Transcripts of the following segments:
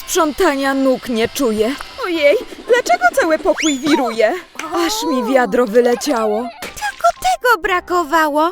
sprzątania nóg nie czuję. Ojej, dlaczego cały pokój wiruje? Aż mi wiadro wyleciało. Tylko tego brakowało.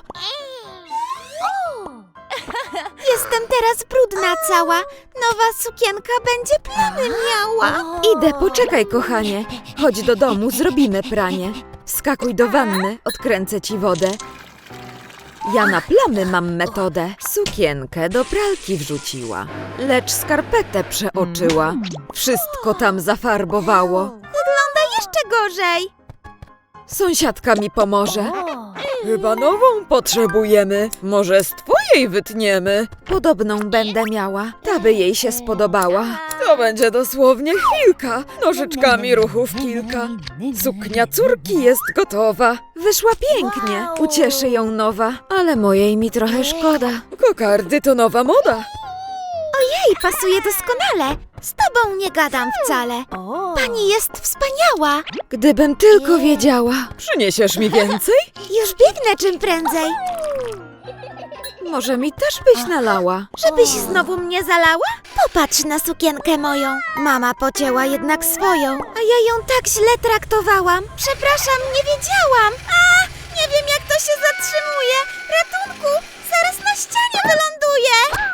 Jestem teraz brudna cała. Nowa sukienka będzie plamy miała. Idę, poczekaj, kochanie. Chodź do domu, zrobimy pranie. Wskakuj do wanny, odkręcę ci wodę. Ja na plamy mam metodę. Sukienkę do pralki wrzuciła, lecz skarpetę przeoczyła. Wszystko tam zafarbowało. Wygląda jeszcze gorzej. Sąsiadka mi pomoże. Chyba nową potrzebujemy. Może z twojej wytniemy. Podobną będę miała. Ta by jej się spodobała. To będzie dosłownie chwilka. Nożyczkami ruchów kilka. Suknia córki jest gotowa. Wyszła pięknie. Ucieszy ją nowa. Ale mojej mi trochę szkoda. Kokardy to nowa moda. Ojej, pasuje doskonale. Z tobą nie gadam wcale. Pani jest wspaniała. Gdybym tylko wiedziała. Przyniesiesz mi więcej? Już biegnę czym prędzej. Może mi też byś nalała. Żebyś znowu mnie zalała? Popatrz na sukienkę moją. Mama pocięła jednak swoją, a ja ją tak źle traktowałam. Przepraszam, nie wiedziałam. A, nie wiem jak to się zatrzymuje. Ratunku, zaraz na ścianie wyląduję.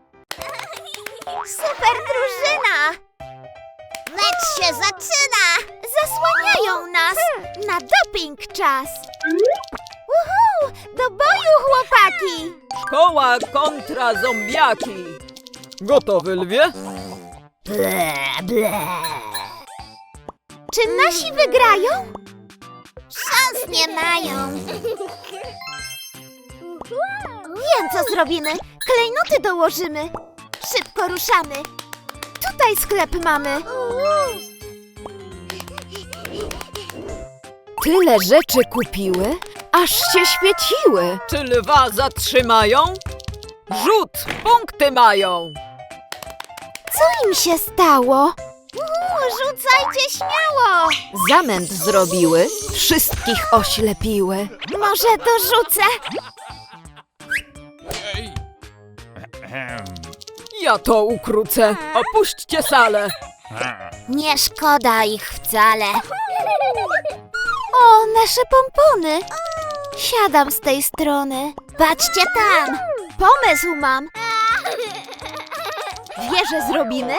Super drużyna! Mecz się zaczyna! Zasłaniają nas! Na doping czas! Uhu! Do boju, chłopaki! Szkoła kontra zombiaki. Gotowy, lwie? Ble, ble. Czy nasi wygrają? Szans nie mają. Wiem, co zrobimy. Klejnoty dołożymy. Szybko ruszamy. Tutaj sklep mamy. Tyle rzeczy kupiły, aż się świeciły. Czy lwa zatrzymają? Rzut, punkty mają. Co im się stało? Rzucajcie śmiało. Zamęt zrobiły, wszystkich oślepiły. Może dorzucę? Ja to ukrócę. Opuśćcie salę. Nie szkoda ich wcale. O, nasze pompony. Siadam z tej strony. Patrzcie tam. Pomysł mam. Wieżę zrobimy?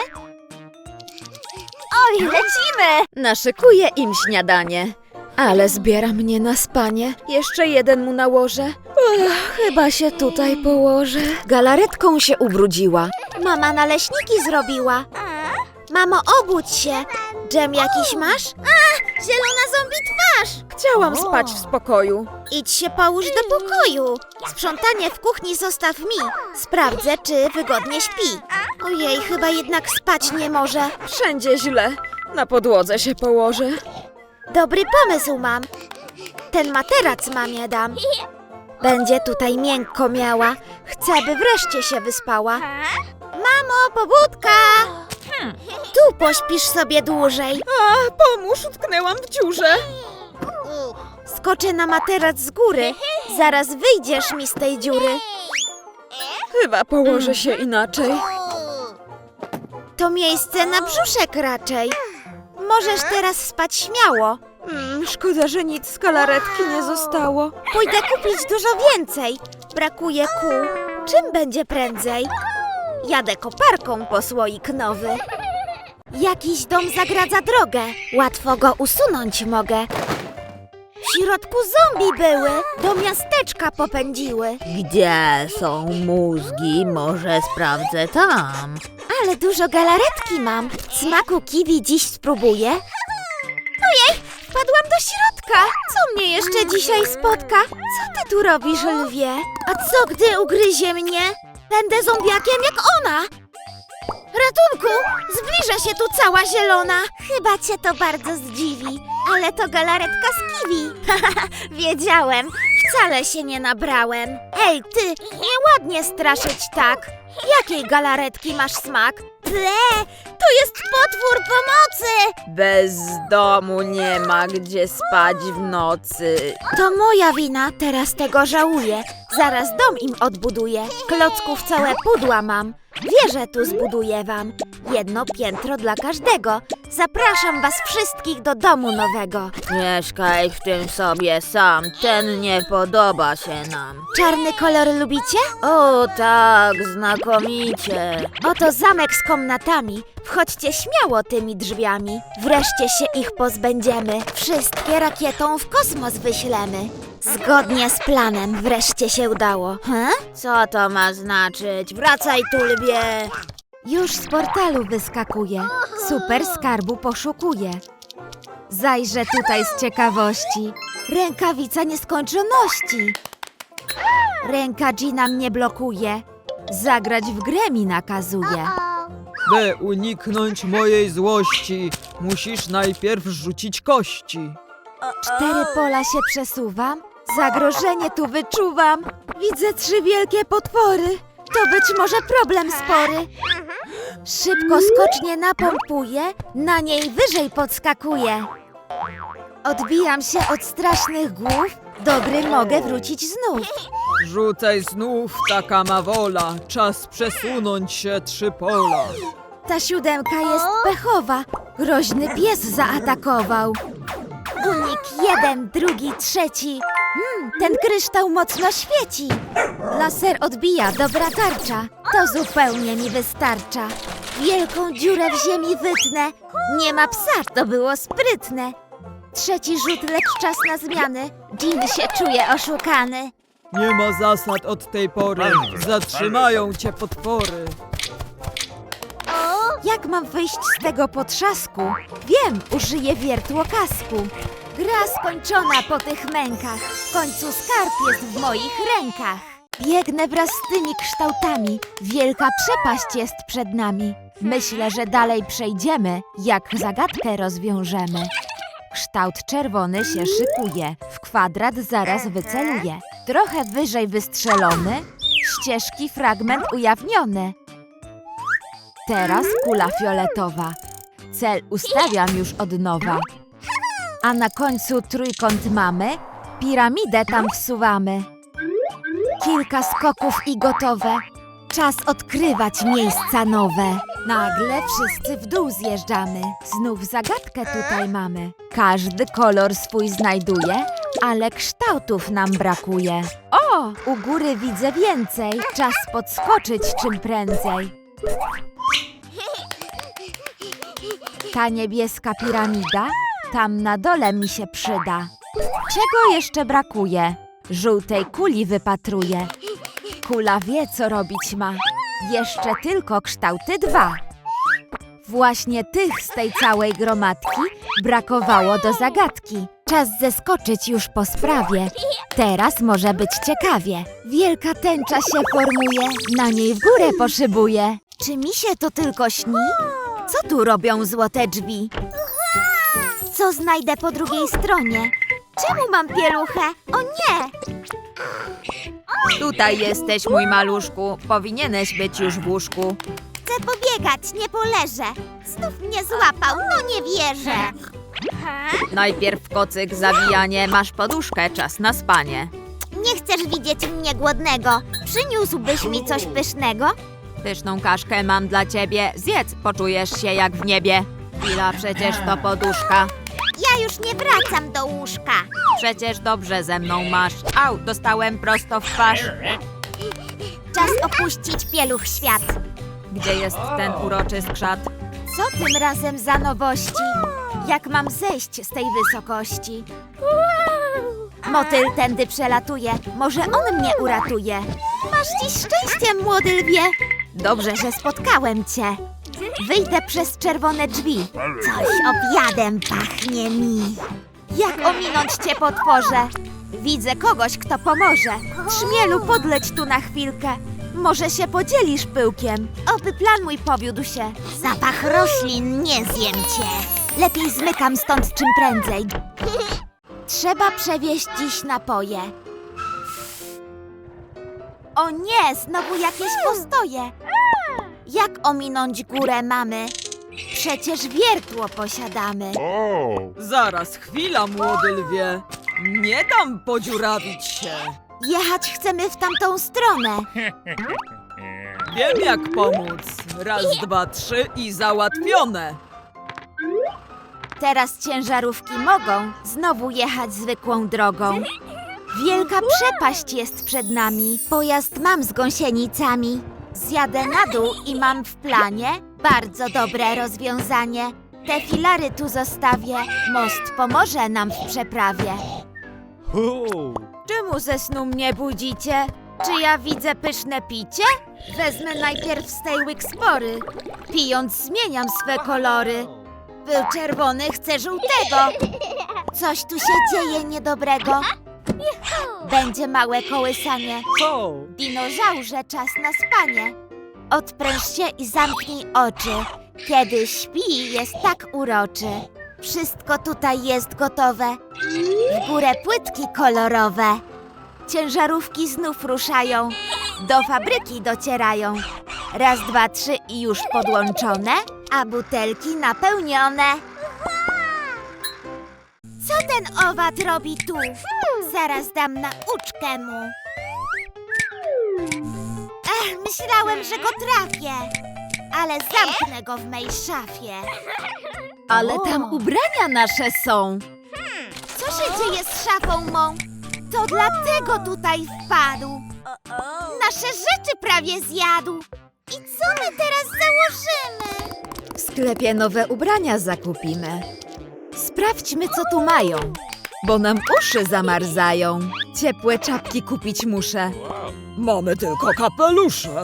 Oj, lecimy. Naszykuję im śniadanie. Ale zbiera mnie na spanie. Jeszcze jeden mu nałożę. Chyba się tutaj położę. Galaretką się ubrudziła. Mama naleśniki zrobiła. Mamo, obudź się. Dżem jakiś masz? A, zielona zombie twarz. Chciałam spać w spokoju. Idź się połóż do pokoju. Sprzątanie w kuchni zostaw mi. Sprawdzę, czy wygodnie śpi. Ojej, chyba jednak spać nie może. Wszędzie źle. Na podłodze się położę. Dobry pomysł mam. Ten materac mamie dam. Będzie tutaj miękko miała. Chcę, by wreszcie się wyspała. Mamo, pobudka! Tu pośpisz sobie dłużej. A, pomóż, utknęłam w dziurze. Skoczę na materac z góry. Zaraz wyjdziesz mi z tej dziury. Chyba położę się inaczej. To miejsce na brzuszek raczej. Możesz teraz spać śmiało. Szkoda, że nic z galaretki nie zostało. Pójdę kupić dużo więcej. Brakuje kół. Czym będzie prędzej? Jadę koparką po słoik nowy. Jakiś dom zagradza drogę. Łatwo go usunąć mogę. W środku zombie były. Do miasteczka popędziły. Gdzie są mózgi? Może sprawdzę tam. Ale dużo galaretki mam. Smaku kiwi dziś spróbuję. Ojej, wpadłam do środka. Co mnie jeszcze dzisiaj spotka? Co ty tu robisz, lwie? A co, gdy ugryzie mnie? Będę zombiakiem jak ona. Ratunku! Zbliża się tu cała zielona. Chyba cię to bardzo zdziwi. Ale to galaretka z kiwi. Wiedziałem. Wcale się nie nabrałem. Ej, ty, nieładnie straszyć tak. Jakiej galaretki masz smak? Ble, to jest potwór pomocy! Bez domu nie ma gdzie spać w nocy. To moja wina, teraz tego żałuję. Zaraz dom im odbuduję. Klocków całe pudła mam. Wieżę tu zbuduję wam. Jedno piętro dla każdego. Zapraszam was wszystkich do domu nowego. Mieszkaj w tym sobie sam, ten nie podoba się nam. Czarny kolor lubicie? O tak, znakomicie. Oto zamek z komnatami. Wchodźcie śmiało tymi drzwiami. Wreszcie się ich pozbędziemy. Wszystkie rakietą w kosmos wyślemy. Zgodnie z planem wreszcie się udało. Co to ma znaczyć? Wracaj tu, lbie. Już z portalu wyskakuje. Super skarbu poszukuje. Zajrzę tutaj z ciekawości. Rękawica nieskończoności. Ręka Gina mnie blokuje. Zagrać w grę mi nakazuje. By uniknąć mojej złości, musisz najpierw rzucić kości. 4 pola się przesuwam. Zagrożenie tu wyczuwam. Widzę 3 wielkie potwory. To być może problem spory. Szybko skocznie napompuję, na niej wyżej podskakuję. Odbijam się od strasznych głów, do gry mogę wrócić znów. Rzucaj znów, taka ma wola, czas przesunąć się 3 pola. Ta 7 jest pechowa, groźny pies zaatakował. Unik 1, drugi, trzeci. Ten kryształ mocno świeci. Laser odbija, dobra tarcza. To zupełnie mi wystarcza. Wielką dziurę w ziemi wytnę. Nie ma psa, to było sprytne. Trzeci rzut, lecz czas na zmiany. Jean się czuje oszukany. Nie ma zasad od tej pory, zatrzymają cię potwory. Jak mam wyjść z tego potrzasku? Wiem, użyję wiertłokasku. Gra skończona po tych mękach. W końcu skarb jest w moich rękach. Biegnę wraz z tymi kształtami. Wielka przepaść jest przed nami. Myślę, że dalej przejdziemy, jak zagadkę rozwiążemy. Kształt czerwony się szykuje. W kwadrat zaraz wyceluje. Trochę wyżej wystrzelony. Ścieżki fragment ujawniony. Teraz kula fioletowa. Cel ustawiam już od nowa. A na końcu trójkąt mamy. Piramidę tam wsuwamy. Kilka skoków i gotowe. Czas odkrywać miejsca nowe. Nagle wszyscy w dół zjeżdżamy. Znów zagadkę tutaj mamy. Każdy kolor swój znajduje, ale kształtów nam brakuje. O, u góry widzę więcej. Czas podskoczyć czym prędzej. Ta niebieska piramida tam na dole mi się przyda. Czego jeszcze brakuje? Żółtej kuli wypatruję. Kula wie, co robić ma. Jeszcze tylko kształty 2. Właśnie tych z tej całej gromadki brakowało do zagadki. Czas zeskoczyć już po sprawie. Teraz może być ciekawie. Wielka tęcza się formuje, na niej w górę poszybuje. Czy mi się to tylko śni? Co tu robią złote drzwi? Co znajdę po drugiej stronie? Czemu mam pieluchę? O nie! Tutaj jesteś, mój maluszku. Powinieneś być już w łóżku. Chcę pobiegać, nie poleżę. Znów mnie złapał, no nie wierzę. Najpierw kocyk, zawijanie, masz poduszkę, czas na spanie. Nie chcesz widzieć mnie głodnego. Przyniósłbyś mi coś pysznego? Pyszną kaszkę mam dla ciebie, zjedz, poczujesz się jak w niebie. Chwila, przecież to poduszka. Ja już nie wracam do łóżka. Przecież dobrze ze mną masz. Au, dostałem prosto w twarz. Czas opuścić pieluch świat. Gdzie jest ten uroczy skrzat? Co tym razem za nowości? Jak mam zejść z tej wysokości? Motyl tędy przelatuje, może on mnie uratuje. Masz dziś szczęście, młody lwie. Dobrze, że spotkałem cię. Wyjdę przez czerwone drzwi. Coś obiadem pachnie mi. Jak ominąć cię, potworze? Widzę kogoś, kto pomoże. Trzmielu, podleć tu na chwilkę. Może się podzielisz pyłkiem. Oby plan mój powiódł się. Zapach roślin, nie zjem cię. Lepiej zmykam stąd czym prędzej. Trzeba przewieźć dziś napoje. O nie, znowu jakieś postoje. Jak ominąć górę mamy? Przecież wiertło posiadamy. Zaraz, chwila, młody lwie. Nie dam podziurawić się. Jechać chcemy w tamtą stronę. Wiem jak pomóc. Raz, dwa, trzy i załatwione. Teraz ciężarówki mogą znowu jechać zwykłą drogą. Wielka przepaść jest przed nami. Pojazd mam z gąsienicami. Zjadę na dół i mam w planie bardzo dobre rozwiązanie. Te filary tu zostawię. Most pomoże nam w przeprawie. Czemu ze snu mnie budzicie? Czy ja widzę pyszne picie? Wezmę najpierw z tej łyk spory. Pijąc zmieniam swe kolory. Był czerwony, chcę żółtego. Coś tu się dzieje niedobrego. Będzie małe kołysanie. Dinozaurze, czas na spanie. Odpręż się i zamknij oczy. Kiedy śpi, jest tak uroczy. Wszystko tutaj jest gotowe. W górę płytki kolorowe. Ciężarówki znów ruszają. Do fabryki docierają. Raz, dwa, trzy i już podłączone, a butelki napełnione. Co ten owad robi tu? Zaraz dam nauczkę mu. Myślałem, że go trafię, ale zamknę go w mej szafie. Ale tam ubrania nasze są. Co się dzieje z szafą mą? To dlatego tutaj wpadł. Nasze rzeczy prawie zjadł. I co my teraz założymy? W sklepie nowe ubrania zakupimy. Sprawdźmy, co tu mają, bo nam uszy zamarzają. Ciepłe czapki kupić muszę. Mamy tylko kapelusze.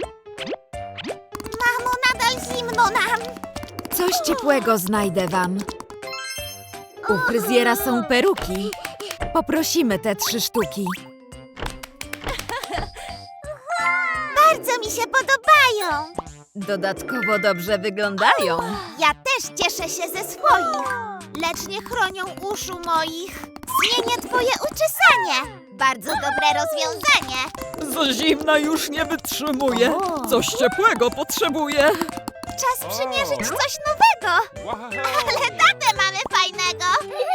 Mamo, nadal zimno nam. Coś ciepłego znajdę wam. U fryzjera są peruki. Poprosimy te 3 sztuki. Bardzo mi się podobają. Dodatkowo dobrze wyglądają. Ja też cieszę się ze swoich, lecz nie chronią uszu moich. Zmienię twoje uczesanie. Bardzo dobre rozwiązanie. Z zimna już nie wytrzymuję. Coś ciepłego potrzebuję. Czas przymierzyć coś nowego. Ale tatę mamy fajnego.